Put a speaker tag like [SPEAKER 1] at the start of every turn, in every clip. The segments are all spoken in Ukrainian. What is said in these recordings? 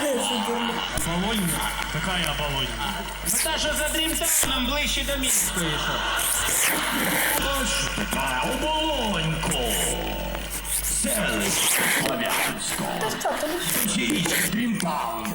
[SPEAKER 1] Оболонька? Какая Оболонька?
[SPEAKER 2] Ну та, що за Дрімтауном ближче до Мінської, що?
[SPEAKER 1] Ось така Оболонько. Селище Слов'янсько. Січ Дрімтаун.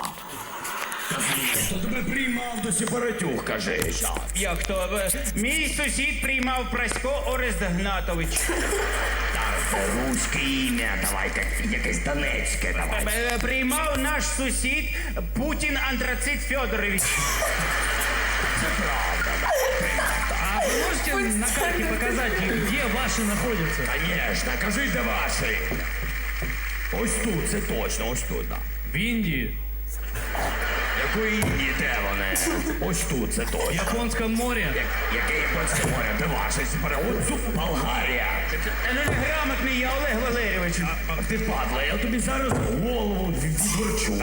[SPEAKER 1] Хто тебе приймав до сепаратюх, кажи?
[SPEAKER 2] Як то? Мій сусід приймав Прасько Орест Гнатович.
[SPEAKER 1] Руське ім'я, давай, якесь донецьке, давай.
[SPEAKER 2] Приймав наш сусід Путін Антрацит Федорович.
[SPEAKER 1] Це правда.
[SPEAKER 3] А вы можете на карте показать, где ваши находятся?
[SPEAKER 1] Конечно, кажи, де ваші. Ось тут, це точно, ось тут, да.
[SPEAKER 3] В Индии,
[SPEAKER 1] Якої Індії, де вони? Ось тут, це
[SPEAKER 3] в
[SPEAKER 1] точно.
[SPEAKER 3] Японском море.
[SPEAKER 1] Яке японське море, де ваші сепаратюх? Ось тут Болгарія.
[SPEAKER 2] Ну неграмотний я, Олег Валерійович.
[SPEAKER 1] Ах ти падла, я тобі зараз голову відверчу.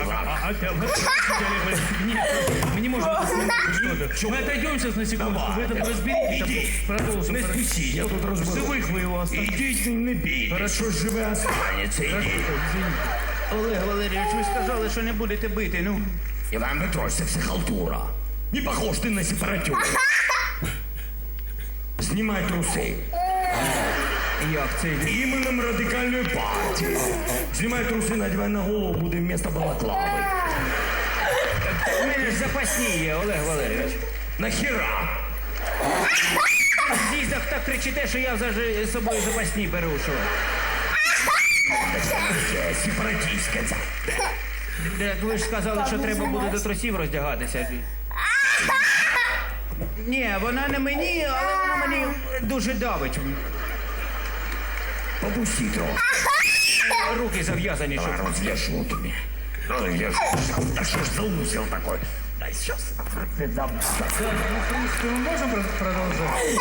[SPEAKER 3] Нет, мы не можем это смотреть что-то. Мы отойдем сейчас на секунду, вы это разберитесь,
[SPEAKER 1] Ідіть.
[SPEAKER 3] а продолжим.
[SPEAKER 1] Не спішіть, я тут розберу.
[SPEAKER 3] Живых вы его оставьте.
[SPEAKER 1] Ідіть, не бійтесь, що живе останеться, ідіть.
[SPEAKER 2] Олег Валерійович, ви сказали, що не будете бити, ну.
[SPEAKER 1] Іван Петрович, це все халтура. Не похож ти на сепаратюк. Знімай труси.
[SPEAKER 2] Як це?
[SPEAKER 1] Іменем радикальної партії. Знімай труси, надівай на голову, буде вмісто балаклави.
[SPEAKER 2] У мене ж запасні є, Олег Валерійович.
[SPEAKER 1] Нахіра?
[SPEAKER 2] В з'їздах так кричите, що я з собою запасні беру, що.
[SPEAKER 1] Це сепаратистське це.
[SPEAKER 2] Так ви ж сказали, що треба буде до трусів роздягатися. Ні, вона не мені, але вона мені дуже давить.
[SPEAKER 1] Попусти трохи.
[SPEAKER 2] Руки зав'язані, щоб...
[SPEAKER 1] Давай развяжу тобі. Развяжу. Да что ж за узел такой? Да сейчас. Ты дам.
[SPEAKER 3] Ну, в принципе, мы можем продолжать?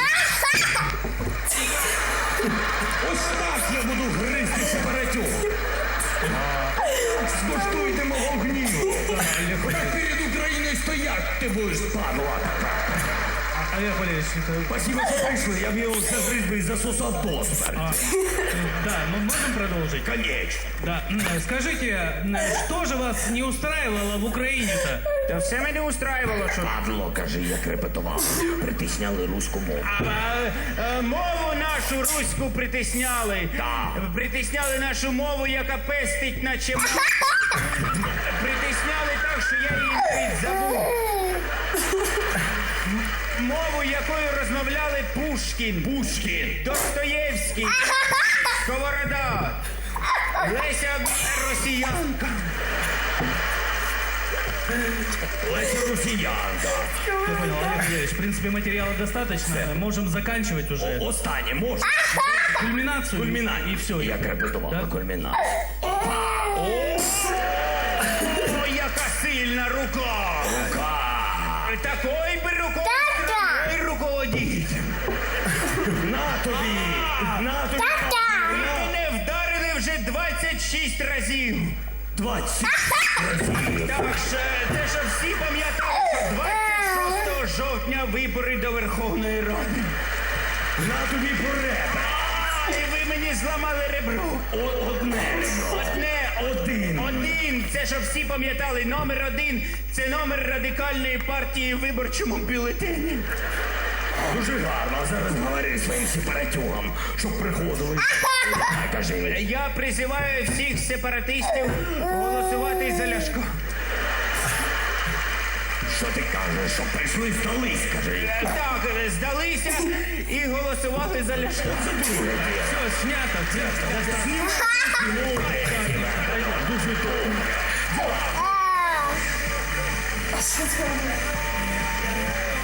[SPEAKER 1] Ось так я буду гризти сепаратюк. Скуштуйте мого гніву. Так перед Україною стоять ти будеш, падла така.
[SPEAKER 3] Олег Валерьевич, это...
[SPEAKER 1] Спасибо, що прийшли. Я б його загриз би і засосав до смерті.
[SPEAKER 3] Да, мы можем продолжить?
[SPEAKER 1] Конечно.
[SPEAKER 3] Да. Скажите, что же вас не устраивало в Украине-то?
[SPEAKER 2] Та все мене устраювало, що...
[SPEAKER 1] Падло, кажи, як репетував. Притисняли руську мову.
[SPEAKER 2] Мову нашу руську притисняли.
[SPEAKER 1] Так.
[SPEAKER 2] Притисняли нашу мову, яка пестить, наче м***. Притисняли так, що я її навіть забув. Мову, якою розмовляли Пушкін, Достоєвський, Сковорода, Леся Росіянка.
[SPEAKER 1] Леся Росіянка.
[SPEAKER 3] Я понял, Олег Валерьевич, в принципе, материала достаточно. Можем заканчивать уже.
[SPEAKER 1] Останнє можна?
[SPEAKER 3] Кульминацию.
[SPEAKER 1] Кульмінація.
[SPEAKER 3] И все.
[SPEAKER 1] Як репетував на кульмінацію.
[SPEAKER 2] Ой, яка сильна рука! Такой би рукою руководіть.
[SPEAKER 1] На тобі! На тобі!
[SPEAKER 2] Ви мене вдарили вже 26 разів.
[SPEAKER 1] 20 разів.
[SPEAKER 2] Так що те, що всі пам'ятали, що 26 жовтня вибори до Верховної Ради.
[SPEAKER 1] На тобі поребра.
[SPEAKER 2] І ви мені зламали ребро.
[SPEAKER 1] Одне ребро.
[SPEAKER 2] Один. Це, що всі пам'ятали, номер 1 – це номер радикальної партії в виборчому бюлетені.
[SPEAKER 1] Дуже гарно. А зараз говори своїм сепаратюгам, щоб приходили. Кажи.
[SPEAKER 2] Я призиваю всіх сепаратистів голосувати за Ляшко.
[SPEAKER 1] Що ти кажеш, що прийшли здались, кажи.
[SPEAKER 2] Так, здалися і голосували за Ляшко.
[SPEAKER 3] Все, снято.
[SPEAKER 1] Дуже добре.